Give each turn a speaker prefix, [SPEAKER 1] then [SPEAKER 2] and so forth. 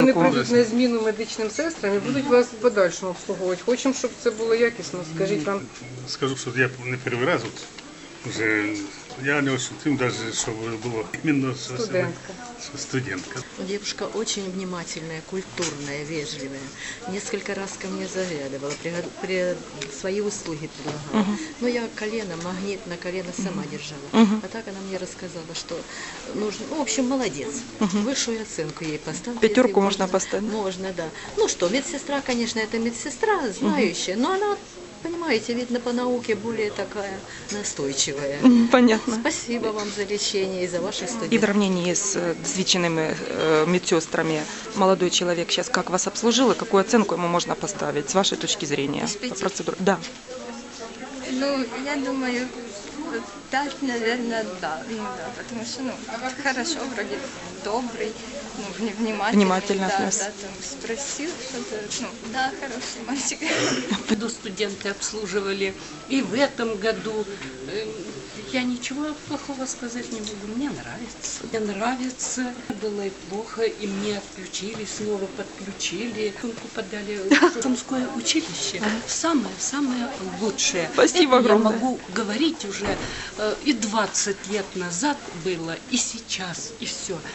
[SPEAKER 1] вони
[SPEAKER 2] такого.
[SPEAKER 1] прийдуть на зміну медичним сестрам і будуть вас в подальшому обслуговувати. Хочемо, щоб це було якісно. Скажіть вам.
[SPEAKER 3] Скажу, що я не перший раз от, вже, я не ощутив навіть, що було іменно
[SPEAKER 1] Студентка.
[SPEAKER 3] студентка.
[SPEAKER 4] Девушка очень внимательная, культурная, вежливая. Несколько раз ко мне заглядывала, свои услуги предлагала. Но я колено, магнит на колено сама держала. А так она мне рассказала, что нужно, ну, в общем, молодец. Высшую оценку ей поставить.
[SPEAKER 2] Пятерку можно поставить?
[SPEAKER 4] Можно, да. Ну что, медсестра, конечно, это медсестра, знающая, но она, понимаете, видно по науке более такая настойчивая.
[SPEAKER 2] Понятно.
[SPEAKER 4] Спасибо вам за лечение и за ваших студентов.
[SPEAKER 2] И в сравнении с досвідченими медсестрами молодой человек сейчас как вас обслужил и какую оценку ему можно поставить с вашей точки зрения?
[SPEAKER 5] Из 5?
[SPEAKER 2] Процедур. Да.
[SPEAKER 5] Ну, я думаю, 5, наверное, да. Ну, да, потому что, ну, хорошо, вроде добрый, ну, внимательный.
[SPEAKER 2] Внимательно
[SPEAKER 5] да,
[SPEAKER 2] отнес.
[SPEAKER 5] да, там спросил что-то, ну, да, хороший мальчик.
[SPEAKER 6] Году студенты обслуживали, и в этом году. Я ничего плохого сказать не буду. Мне нравится. Мне нравится. Было и плохо, и мне отключили, снова подключили. Сумку подали в Сумское училище. Самое-самое лучшее.
[SPEAKER 2] Спасибо
[SPEAKER 6] Это
[SPEAKER 2] огромное.
[SPEAKER 6] я могу говорить уже и 20 лет назад было, и сейчас, и все.